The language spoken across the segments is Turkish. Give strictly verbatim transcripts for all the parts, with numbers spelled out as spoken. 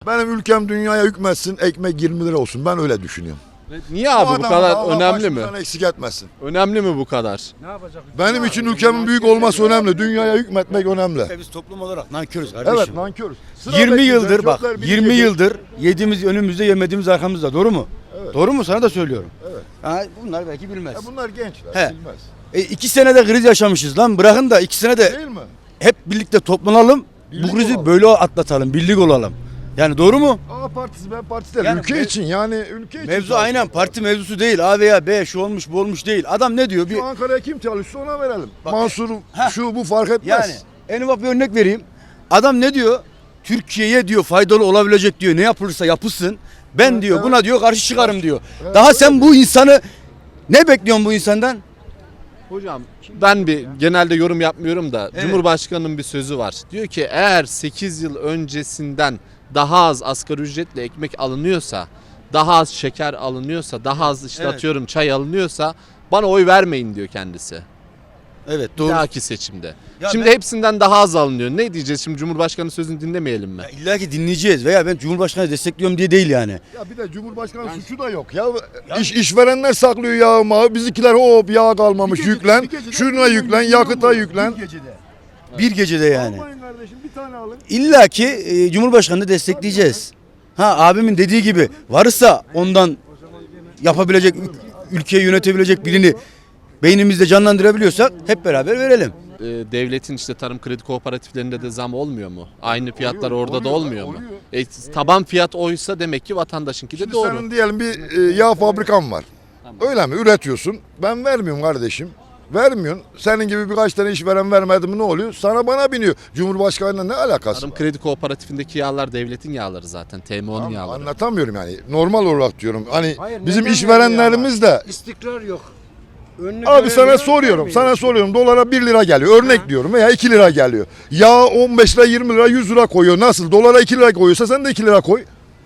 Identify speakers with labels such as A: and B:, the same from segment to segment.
A: Benim ülkem dünyaya hükmetsin, ekmek yirmi lira olsun. Ben öyle düşünüyorum.
B: Niye abi bu kadar önemli mi?
A: Eksik etmesin.
B: Önemli mi bu kadar?
C: Ne yapacak?
A: Benim için ülkemin büyük olması önemli. Dünyaya hükmetmek önemli.
C: Biz toplum olarak nankörüz kardeşim.
A: Evet, nankörüz. Sıra
C: yirmi
A: bekleyeceğiz,
C: yıldır bak
A: çocuklar
C: yirmi
A: bilecek.
C: yıldır yediğimiz önümüzde yemediğimiz arkamızda, doğru mu?
A: Evet.
C: Doğru mu? Sana da söylüyorum.
A: Evet.
C: Ha, bunlar belki bilmez.
A: Ya bunlar gençler,
C: He.
A: bilmez.
C: E, iki senede kriz yaşamışız lan, bırakın da iki senede
A: Değil mi?
C: hep birlikte toplanalım,
A: Birlik
C: bu krizi
A: olalım.
C: böyle atlatalım, birlik olalım. Yani doğru mu?
A: A partisi, B partisi değil.
C: Yani
A: ülke
C: mev-
A: için yani ülke için.
C: Mevzu aynen parti mevzusu değil, A veya B, şu olmuş bu olmuş değil. Adam ne diyor? Bir,
A: Şu Ankara'ya kim çalışsa ona verelim.
C: Bak-
A: Mansur
C: Heh.
A: şu bu fark etmez.
C: yani en ufak bir örnek vereyim. Adam ne diyor? Türkiye'ye diyor faydalı olabilecek diyor. Ne yapılırsa yapılsın. Ben
A: Evet,
C: diyor
A: evet.
C: buna diyor karşı çıkarım diyor.
A: Evet,
C: Daha
A: öyle
C: sen bu insanı ne bekliyorsun bu insandan?
B: Hocam ben bir genelde yorum yapmıyorum da
C: Evet.
B: Cumhurbaşkanı'nın bir sözü var. Diyor ki eğer sekiz yıl öncesinden daha az asgari ücretle ekmek alınıyorsa, daha az şeker alınıyorsa, daha az işte
C: Evet.
B: atıyorum çay alınıyorsa bana oy vermeyin diyor kendisi.
C: Evet
B: Bir
C: doğru.
B: dahaki seçimde.
C: Ya
B: Şimdi
C: ben-
B: hepsinden daha az alınıyor. Ne diyeceğiz şimdi, Cumhurbaşkanı sözünü dinlemeyelim mi?
C: Ya İlla ki dinleyeceğiz veya ben Cumhurbaşkanı destekliyorum diye değil yani.
A: Ya bir de Cumhurbaşkanı suçu da yok ya. İş işverenler saklıyor yağı mağı. Bizimkiler hop yağ kalmamış
C: Bir gecede-
A: yüklen.
C: bir gecede
A: Şuna
C: milyon
A: yüklen,
C: milyon
A: yakıta
C: mu?
A: yüklen.
C: Bir gecede. Bir gecede yani.
A: Almayın kardeşim bir tane alın.
C: İlla ki e, Cumhurbaşkanı'nı destekleyeceğiz. Ha abimin dediği gibi varsa ondan yapabilecek, ül- ülkeyi yönetebilecek birini beynimizde canlandırabiliyorsak hep beraber verelim.
B: Ee, devletin işte tarım kredi kooperatiflerinde de zam olmuyor mu? Aynı fiyatlar
A: Oluyor,
B: orada da
A: oluyor,
B: olmuyor mu?
A: oluyor.
B: E, taban fiyat oysa demek ki vatandaşınki de
A: Şimdi
B: doğru.
A: senin diyelim bir e, yağ fabrikan var. Öyle mi? Üretiyorsun. Ben vermiyorum kardeşim. Vermiyorsun. Senin gibi birkaç tane işveren vermedi mi ne oluyor? Sana bana biniyor. Cumhurbaşkanıyla ne alakası
B: Tarım
A: var?
B: kredi kooperatifindeki yağlar devletin yağları zaten. T M O'nun
A: Tamam,
B: yağları.
A: anlatamıyorum yani. Normal olarak diyorum. Hani
D: Hayır,
A: bizim
D: neden
A: işverenlerimiz de
D: İstikrar yok. Önünü
A: abi sana
D: göremiyor,
A: soruyorum.
D: görmüyor.
A: Sana soruyorum. Dolara bir lira geliyor. Örnek diyorum veya iki lira geliyor. Yağ on beş lira, yirmi lira, yüz lira koyuyor. Nasıl? Dolara iki lira koyuyorsa sen de iki lira koy.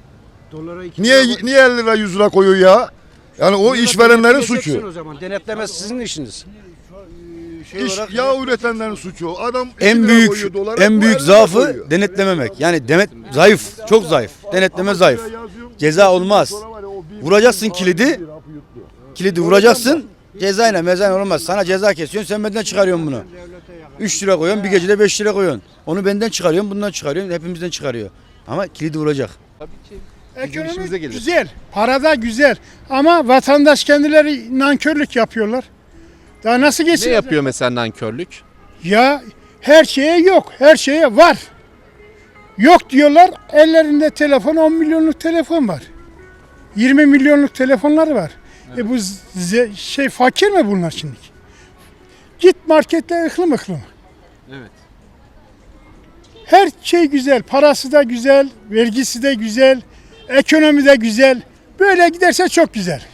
D: Dolara iki
A: Niye
D: lira-
A: niye elli lira, yüz lira koyuyor ya? Yani o
D: Bunu da
A: işverenlerin
D: denetleyeceksin
A: suçu.
D: O zaman denetleme sizin işiniz.
C: Şey
A: İş,
C: olarak-
A: yağ üretenlerin suçu. o. Adam iki
C: En
A: lira
C: büyük
A: koyuyor dolara,
C: en
A: bu
C: büyük
A: elli lira
C: zaafı
A: koyuyor.
C: denetlememek. Yani demet zayıf, çok zayıf. Denetleme zayıf. Ceza olmaz. Vuracaksın kilidi, kilidi vuracaksın. Cezayla mezayla olmaz. Sana ceza kesiyorsun, sen benden çıkarıyorsun bunu. üç lira koyuyorsun, bir gecede beş lira koyuyorsun. Onu benden çıkarıyorsun, bundan çıkarıyorsun, hepimizden çıkarıyor. Ama kilidi vuracak.
B: Tabii ki. Bizim işimize
E: Ekonomi
B: gelir.
E: güzel, para da güzel ama vatandaş kendileri nankörlük yapıyorlar. Daha nasıl
B: Ne
E: geçsin?
B: yapıyor mesela nankörlük?
E: Ya her şeye yok, her şeye var. Yok diyorlar, ellerinde telefon on milyonluk telefon var. yirmi milyonluk telefonları var. E bu ze- şey fakir mi bunlar şimdi? Git markette ıklım ıklım.
B: Evet.
E: Her şey güzel, parası da güzel, vergisi de güzel, ekonomi de güzel. Böyle giderse çok güzel.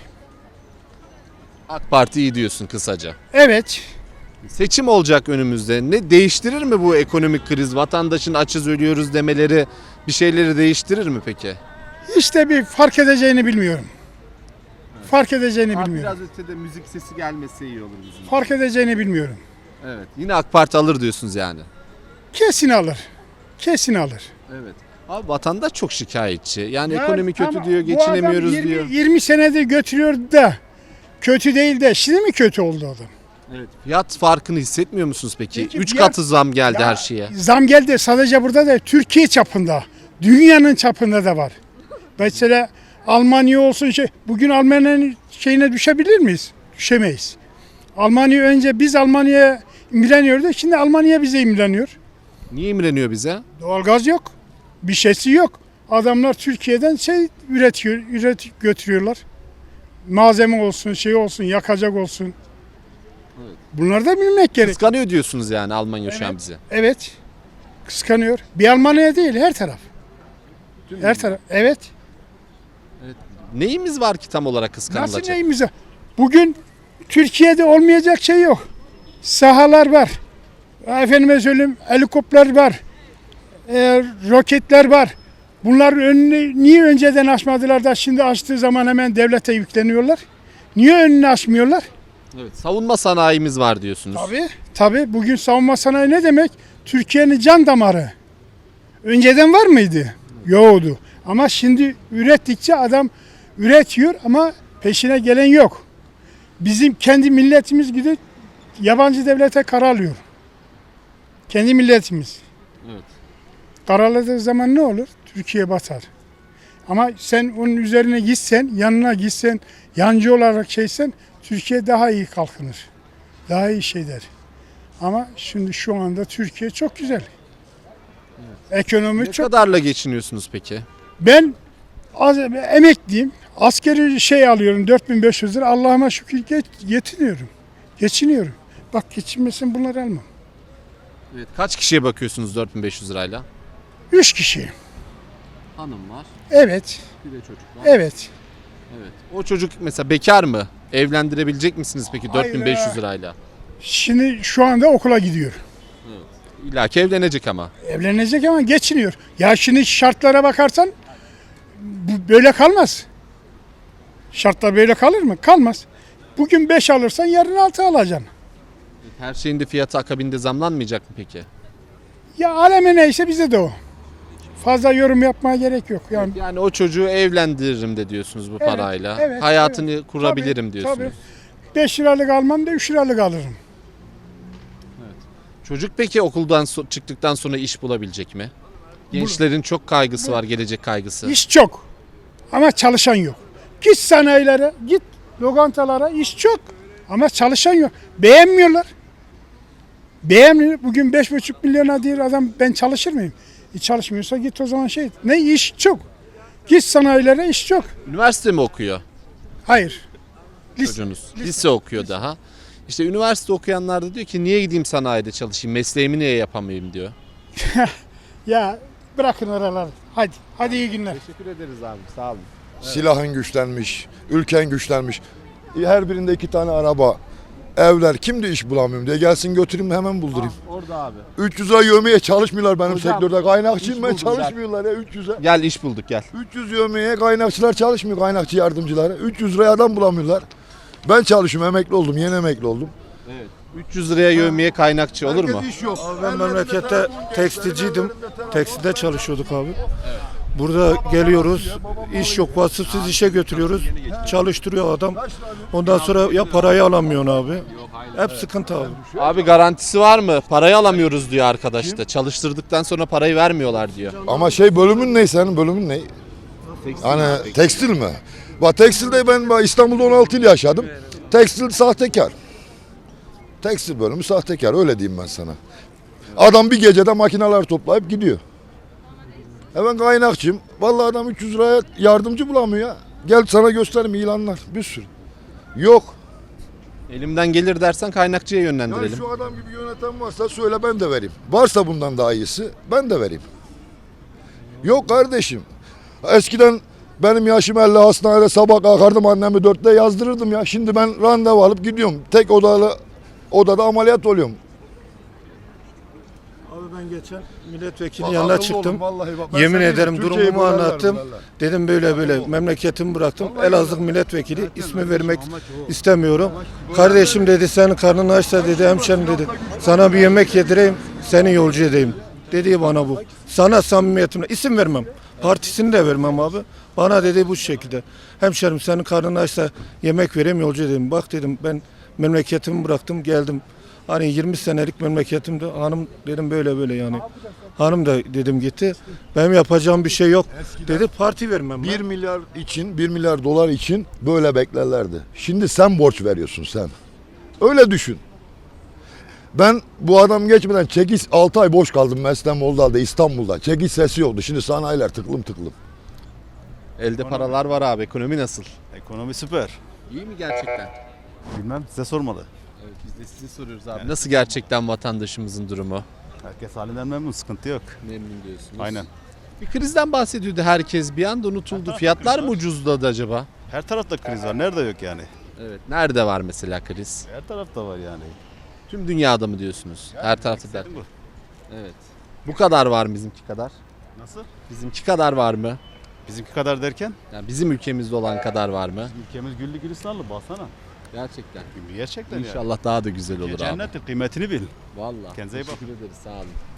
B: AK Parti iyi diyorsun kısaca.
E: Evet.
B: Seçim olacak önümüzde. Ne değiştirir mi bu ekonomik kriz? Vatandaşın açız ölüyoruz demeleri bir şeyleri değiştirir mi peki?
E: İşte bir fark edeceğini bilmiyorum. Fark edeceğini bilmiyorum.
B: ötede müzik sesi gelmesi iyi olur bizim.
E: Fark edeceğini bilmiyorum.
B: Evet. Yine AK Parti alır diyorsunuz yani.
E: Kesin alır. Kesin alır.
B: Evet. Abi vatandaş çok şikayetçi. Yani
E: Ya
B: ekonomi kötü
E: tamam,
B: diyor,
E: bu adam
B: geçinemiyoruz
E: yirmi
B: diyor.
E: yirmi senedir götürüyor da kötü değil de şimdi mi kötü oldu adam?
B: Evet. Fiyat farkını hissetmiyor musunuz peki?
E: Peki
B: Üç
E: fiyat-
B: katı zam geldi
E: Ya,
B: her şeye.
E: Zam geldi sadece burada da Türkiye çapında, dünyanın çapında da var. Mesela Almanya olsun şey, bugün Almanya'nın şeyine düşebilir miyiz? Düşemeyiz. Almanya önce biz Almanya'ya imreniyorduk, şimdi Almanya bize imreniyor.
B: Niye imreniyor bize?
E: Doğalgaz yok, bir şeysi yok. Adamlar Türkiye'den şey üretiyor, üret götürüyorlar. Malzeme olsun, şey olsun, yakacak olsun. Bunları da bilmek gerek.
B: Kıskanıyor diyorsunuz yani Almanya şu an bizi.
E: Evet. Kıskanıyor. Bir Almanya değil, her taraf. Her taraf. Evet.
B: Neyimiz var ki tam olarak
E: Nasıl
B: kıskanılacak?
E: neyimiz var? Bugün Türkiye'de olmayacak şey yok. Sahalar var. Efendime söyleyeyim helikopter var. E, roketler var. Bunların önünü niye önceden açmadılar da şimdi açtığı zaman hemen devlete yükleniyorlar? Niye önünü açmıyorlar?
B: Evet. Savunma sanayimiz var diyorsunuz.
E: Tabii. Tabii bugün savunma sanayi ne demek? Türkiye'nin can damarı. Önceden var mıydı? Yoktu. Ama şimdi ürettikçe adam üretiyor ama peşine gelen yok. Bizim kendi milletimiz gibi yabancı devlete karalıyor. Kendi milletimiz.
B: Evet.
E: Karaladığı zaman ne olur? Türkiye batar. Ama sen onun üzerine gitsen, yanına gitsen, yancı olarak şeysen Türkiye daha iyi kalkınır. Daha iyi şey der. Ama şimdi şu anda Türkiye çok güzel. Ekonomi
B: Ne
E: çok.
B: kadarla geçiniyorsunuz peki?
E: Ben az, emekliyim. Askeri şey alıyorum dört bin beş yüz lira. Allah'ıma şükür geç, yetiniyorum. Geçiniyorum. Bak geçinmesin bunları almam.
B: Evet. Kaç kişiye bakıyorsunuz dört bin beş yüz lirayla?
E: Üç kişi.
B: Hanım var,
E: Evet.
B: bir de çocuk var.
E: Evet.
B: Evet. O çocuk mesela bekar mı? Evlendirebilecek misiniz peki dört bin beş yüz
E: Hayır.
B: lirayla?
E: Şimdi şu anda okula gidiyor.
B: İlla ki evlenecek ama.
E: Evlenecek ama geçiniyor. Ya şimdi şartlara bakarsan bu böyle kalmaz. Şartlar böyle kalır mı? Kalmaz. Bugün beş alırsan yarın altı alacaksın.
B: Her şeyin de fiyatı akabinde zamlanmayacak mı peki?
E: Ya aleme neyse bize de o. Fazla yorum yapmaya gerek yok. Yani
B: Yani o çocuğu evlendiririm de diyorsunuz bu
E: Evet,
B: parayla.
E: evet,
B: Hayatını kurabilirim
E: Tabii,
B: diyorsunuz.
E: tabii. beş liralık almam da üç liralık alırım.
B: Çocuk peki okuldan so- çıktıktan sonra iş bulabilecek mi? Gençlerin çok kaygısı var, gelecek kaygısı.
E: İş çok ama çalışan yok. Git sanayilere, git lokantalara iş çok ama çalışan yok. Beğenmiyorlar. Beğenmiyor. Bugün beş buçuk milyona diyor adam ben çalışır mıyım? E çalışmıyorsa git o zaman şey. Ne iş çok. Git sanayilere iş çok.
B: Üniversite mi okuyor
E: Hayır. Lise-
B: çocuğunuz? Lise, okuyor daha. İşte üniversite okuyanlar da diyor ki niye gideyim sanayide çalışayım, mesleğimi niye yapamayayım diyor.
E: Ya bırakın oraları. Hadi. Hadi iyi günler.
B: Teşekkür ederiz abi, sağ olun.
A: Silahın güçlenmiş, ülken güçlenmiş. Her birinde iki tane araba, evler. Kim de iş bulamıyorum diye gelsin götüreyim hemen buldurayım.
B: Orada abi.
A: üç yüz lira yövmeye çalışmıyorlar benim
B: Hocam,
A: sektörde. Kaynakçıyım
B: iş
A: ben
B: buldum, gel.
A: çalışmıyorlar ya üç yüze.
B: Gel iş bulduk gel.
A: üç yüz yövmeye kaynakçılar çalışmıyor, kaynakçı yardımcıları. üç yüz liraya adam bulamıyorlar. Ben çalışıyorum, emekli oldum, yeni emekli oldum.
B: üç yüz liraya yövmeye kaynakçı olur mu?
A: Herkes iş yok.
F: Abi ben memlekette tekstilciydim. Tekstilde çalışıyorduk abi. Burada geliyoruz, iş yok, vasıfsız işe götürüyoruz. Çalıştırıyor adam. Ondan sonra ya parayı alamıyorsun abi. Hep sıkıntı abi.
B: Abi garantisi var mı? Parayı alamıyoruz diyor arkadaş da. Çalıştırdıktan sonra parayı vermiyorlar diyor.
A: Ama şey bölümün ne senin bölümün ne? Hani tekstil mi? Bak tekstilde ben bak İstanbul'da on altı yıl yaşadım. Tekstil sahtekar. Tekstil bölümü sahtekar öyle diyeyim ben sana. Adam bir gecede makineler toplayıp gidiyor. E ben kaynakçıyım. Vallahi adam üç yüz liraya yardımcı bulamıyor ya. Gel sana göstereyim ilanlar bir sürü. Yok.
B: Elimden gelir dersen kaynakçıya
A: Yani
B: yönlendirelim.
A: şu adam gibi yöneten varsa söyle ben de vereyim. Varsa bundan daha iyisi ben de vereyim. Yok kardeşim. Eskiden benim yaşım elli hastanede sabah kalkardım annemi dörtte yazdırırdım ya. Şimdi ben randevu alıp gidiyorum. Tek odalı odada ameliyat oluyorum.
F: Abi ben geçen milletvekili
A: Bak,
F: yanına
A: akıllı
F: çıktım.
A: olun, vallahi bak. Ben
F: Yemin
A: sana
F: ederim
A: diyeyim, Türkiye'yi
F: durumumu
A: bölerler
F: anlattım.
A: vallahi.
F: Dedim böyle böyle memleketimi bıraktım. Elazığ milletvekili ismi vermek istemiyorum. Kardeşim dedi senin karnın açsa dedi hemşerim dedi. Sana bir yemek yedireyim seni yolcu edeyim. Dedi bana bu. Sana samimiyetimle isim vermem. Partisini de vermem abi. Bana dedi bu şekilde. Hemşerim senin karnın açsa yemek vereyim yolcu edeyim. Bak dedim ben memleketimi bıraktım geldim. Hani yirmi senelik memleketimde hanım dedim böyle böyle yani. Hanım da dedim gitti. Benim yapacağım bir şey yok. Dedi parti vermem.
A: Bir milyar için, bir milyar dolar için böyle beklerlerdi. Şimdi sen borç veriyorsun sen. Öyle düşün. Ben bu adam geçmeden çekiş altı ay boş kaldım Meslen Moldal'da İstanbul'da. Çekiş sesi yoktu. Şimdi sanayiler tıklım tıklım.
B: Elde paralar var abi. Ekonomi nasıl?
G: Ekonomi süper.
B: İyi mi gerçekten?
G: Bilmem size sormalı.
B: Evet, biz de sizi soruyoruz abi. Nasıl gerçekten vatandaşımızın durumu?
G: Herkes halinden memnun, sıkıntı yok.
B: Memnun diyorsunuz.
G: Aynen.
B: Bir krizden bahsediyordu herkes. Bir anda unutuldu. Fiyatlar mı ucuzladı acaba?
G: Her tarafta kriz var. Nerede yok yani?
B: Evet. Nerede var mesela kriz?
G: Her tarafta var yani.
B: Tüm dünyada mı diyorsunuz? Her tarafta der.
G: Bu.
B: Evet. Bu kadar var mı bizimki kadar?
G: Nasıl?
B: Bizimki kadar var mı?
G: Bizimki kadar derken?
B: Yani bizim ülkemizde olan kadar var mı?
G: Ülkemiz güllü gülistanlı baksana.
B: Gerçekten.
G: Gerçekten yani.
B: İnşallah daha da güzel olur abi.
G: Cennettir, kıymetini bil.
B: Vallahi.
G: Kendinize iyi
B: Teşekkür ederiz. Sağ olun.